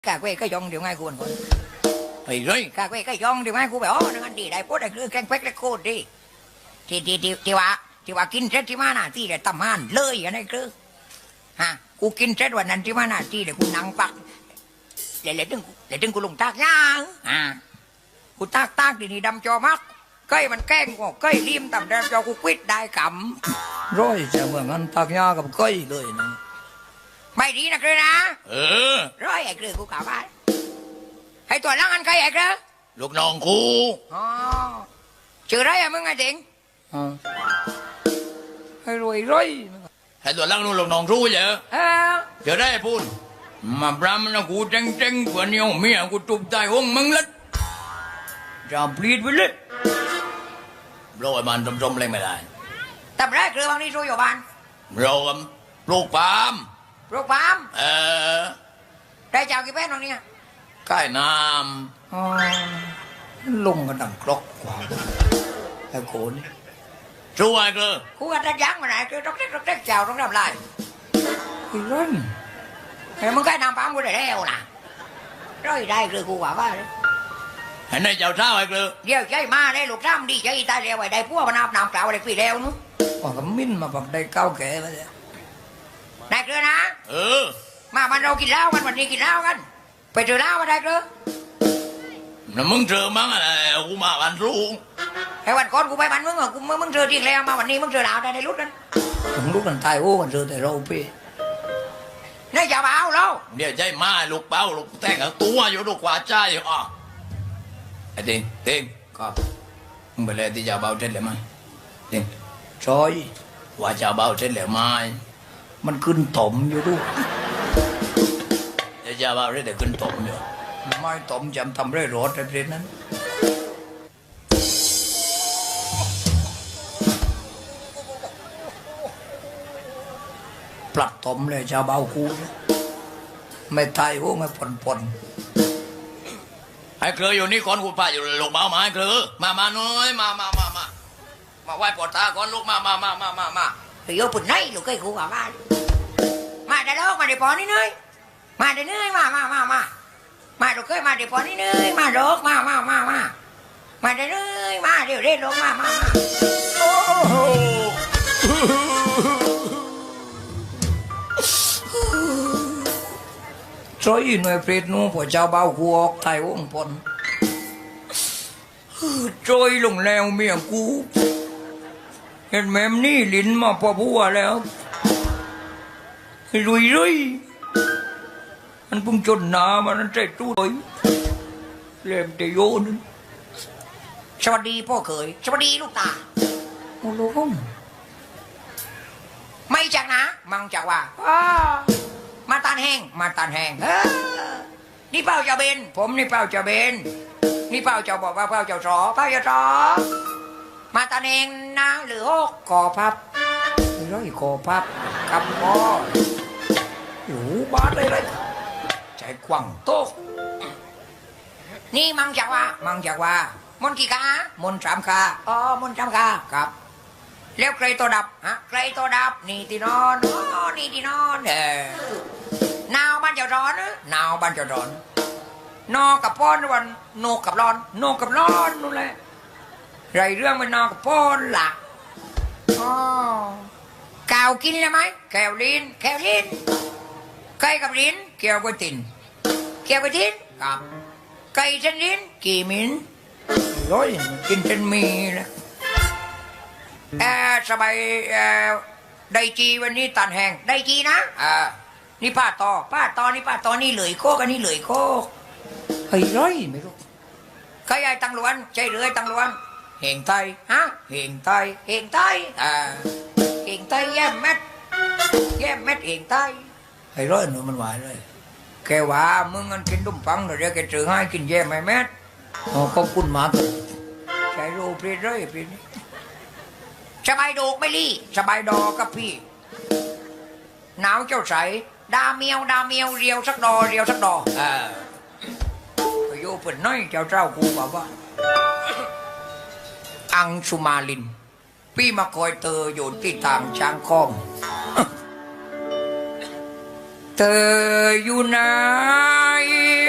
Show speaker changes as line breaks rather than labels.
cả quê cái dòng điều ngay cuốn cuốn ấy rồi cả quê cái dòng điều ngay cuốn phải nó ăn đi đại bốt đại cứ canh quét cái côn đi thìว่ากินเสร็จที่มาหน้าที่เดี๋ยวตำมันเลยอันนี้คือฮะกูกินเสร็จวันนั้นที่มาหน้าที่เดี๋ยวกูนั่งปักเดี๋ยวถึงกูลงตากย่างกูตากดีๆดำจอมักเก้ยมันแกล้งกูเก้ยริมต่ำแดงจอกูควิดได้กำร้อยจะเหมือนกันตากย่างกับเก้ยเลยนะไม่ดีนะคือนะร้อยไอ้คือกูกล่าวว่าให้ตัวล้างอันใครไอ้คือลูกน้องกูอ๋อชื่อไรอะมึงไงจริงให้รวยให้ตัวล้างนู่นลูกน้องรู้เหรอชื่อไรพูดมาบรามนะกูเจ๊งกว่านี้เมียกูตุบใจห้องมึงลัดจะปลีดไปเลยโรยมันจมๆเลยไม่ได้แต่แรกคือบางทีช่วยอยู่บ้านโรยปลูกปาล์มได้เจ้ากี่แป้นตรงนี้ใกล้น้ำลงกันดังกรอกกว่าไอ้โขนช่วยคือกูอัดยั้งมาไหนคือต้องเจ๊กเจ้าต้องทำไรคือร้อนไอ้มึงใกล้น้ำปั๊มกูได้แล้วนะร้อยได้คือกูว่าเลยไอ้นายเจ้าเช้าไอ้คือเดี๋ยวใจมาได้ลูกซ้ำดีใจตายแล้วไอ้ได้พวกมันน้ำเปล่าอะไรปีแล้วนู้นก็มิ้นมาแบบได้เก้าแก่ไปเลยได้เกลือนะมามันเรากินเหล้ากันวันนี้กินเหล้ากันไปเจอเหล้ามาได้เกลือแล้วมึงเจอมั้งอะไรกูมาวันรุ่งไอ้วันก่อนกูไปบ้านมึงเหรอมึงเจอจริงแล้วมาวันนี้มึงเจอเหล้าได้ในรุ่นนั้นผมรุ่นนั้นตายโอ้วันเจอแต่เราพี่นี่อย่ามาเอาเราเดี๋ยวใจมาลูกเป้าลูกแต่งตัวอยู่ลูกกว่าใจอ่ะไอ้เต็งครับมึงไปเลยที่จะเบาเท็ดเลยไหมเต็งซอยว่าจะเบาเท็ดเลยไหมมันขึ้นตมอยู่ดูจะว่าเรื่องแต่ขึ้นตมอยู่ไม่ตมจำทำเรื่องรถอะไรนั้นปลัดตมเลยชาวเบาคูไม่ตายโอ้ไม่ปนไอ้เคยอยู่นี่ก่อนกูพาอยู่ลงเบามาไอ้เคยมาน้อยมาไหว้ปอดตาก่อนลูกมาเฮ้ยปุ่นไหนลูกไอ้กูว่ามาได้แล้วมาได้ปอนี่เนยมาได้เนยมาลูกเคยมาได้ปอนี่เนยมาลูกมาได้เนยมาเดี๋ยวเล่นลงมาโอ้โหช่วยหน่วยเปรตนู้พอเจ้าเบากูออกไทยวงพลช่วยลงแล้วเมียกูเห็นแม่มนี่ลิ้นมาพอพัวแล้วรุยมันพุ่งจนหนามันใจตู้เลยเล่มเตโยนสวัสดีพ่อเขยสวัสดีลูกตาโอ้โหไม่จากนะมังจากว่ามาตานแห้งนี่เป้าเจ้าเบนผมนี่เป้าเจ้าเบนนี่เป้าเจ้าบอกว่าเป้าเจ้าสอมาตานแห้งนะหรือหกกอพับร้อยกอพับคำพ่ออยู่บ้านเลยใจกว้างโตนี่มังจากว่ามนกี่กามน3 กามน3 กาครับแล้วใครตัวดับใครตัวดับนี่ที่นอนนี่ที่นอนหนาวบ้านจะร้อนหนาวบ้านจะร้อนนอกับป้อนวันโนกับร้อนนู่นแหละไรเรื่องมันนอกับป้อนล่ะกาวกินใช่ไหมแก้วลิ้นไก่กับลิ้นเกี่ยวกับตินกับไก่เส้นลิ้นกี่มิ้นร้อยกินเส้นมีนะสบายได้จีวันนี้ตันแหงได้จีนะนี่ป้าต่อนี่เหลยโคกอันนี้เหลยโคกเฮ้ยร้อยไม่รู้ใครไอ้ตังล้วนใจเรือตังล้วนเฮงไตเฮงไตแย่มเม็ดเฮงไตไอ้ร้อยหนูมันหวานเลยแกว่ามึงกันกินดุ่มปังเดี๋ยวแกจือให้กินแย่ไม่เม็ดขอบคุณมากใจรู้เปลี่ยนเลยเปลี่ยนสบายโดกไม่ลี่สบายดอกับพี่หนาวเจ้าใสดาเมียวเรียวสักดอไปโยเปิดน้อยเจ้ากูบอกว่าอังสุมาลินพี่มาคอยเตออยู่ที่ทางช้างคอมเธออยู่ไหน